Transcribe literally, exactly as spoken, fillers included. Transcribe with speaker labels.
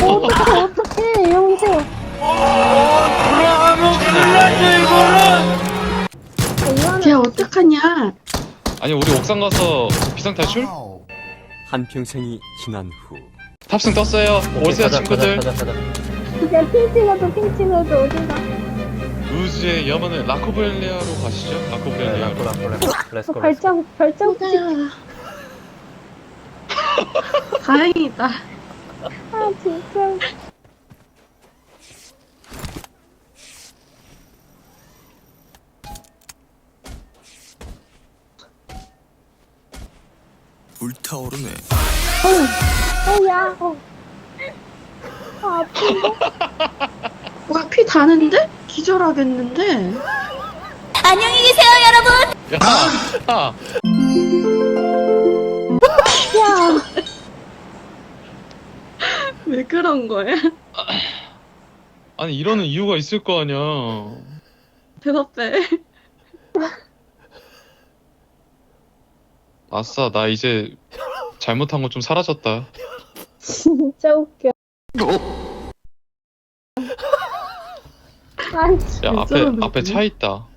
Speaker 1: 어떡해, 어떡해, 여보세요.
Speaker 2: 돌아가면 큰일 났네 이거는.
Speaker 1: 이거는
Speaker 3: 걔 어떡하냐?
Speaker 4: 아니 우리 옥상 가서 비상탈출?
Speaker 5: 한평생이 지난 후
Speaker 4: 탑승 떴어요. 오세요 친구들.
Speaker 2: 가자, 가자, 가자.
Speaker 1: 진짜 핑 찍어도 핑 찍어도 어디가.
Speaker 4: 루즈의 염원은 라코벨리아로 가시죠.
Speaker 2: 네,
Speaker 4: 라코벨리아로.
Speaker 2: 락고, 락고, 락고. 렛츠고, 렛츠고.
Speaker 1: 발자국, 발자국 찍.
Speaker 3: 호다야. 다행이다.
Speaker 1: 아, 진짜.
Speaker 6: 불타오르네.
Speaker 1: 어, 야, 어. 아, 아픈데?
Speaker 3: 와, 피 다는데? 기절하겠는데?
Speaker 4: 야, 야,
Speaker 1: 야,
Speaker 3: 왜 그런 거야?
Speaker 4: 아니 이러는 이유가 있을 거 아니야.
Speaker 3: 대답해.
Speaker 4: 아싸, 나 이제 잘못한 거 좀 사라졌다.
Speaker 1: 진짜 웃겨. 아,
Speaker 4: 야, 앞에
Speaker 3: 진짜로
Speaker 4: 앞에 차 있다.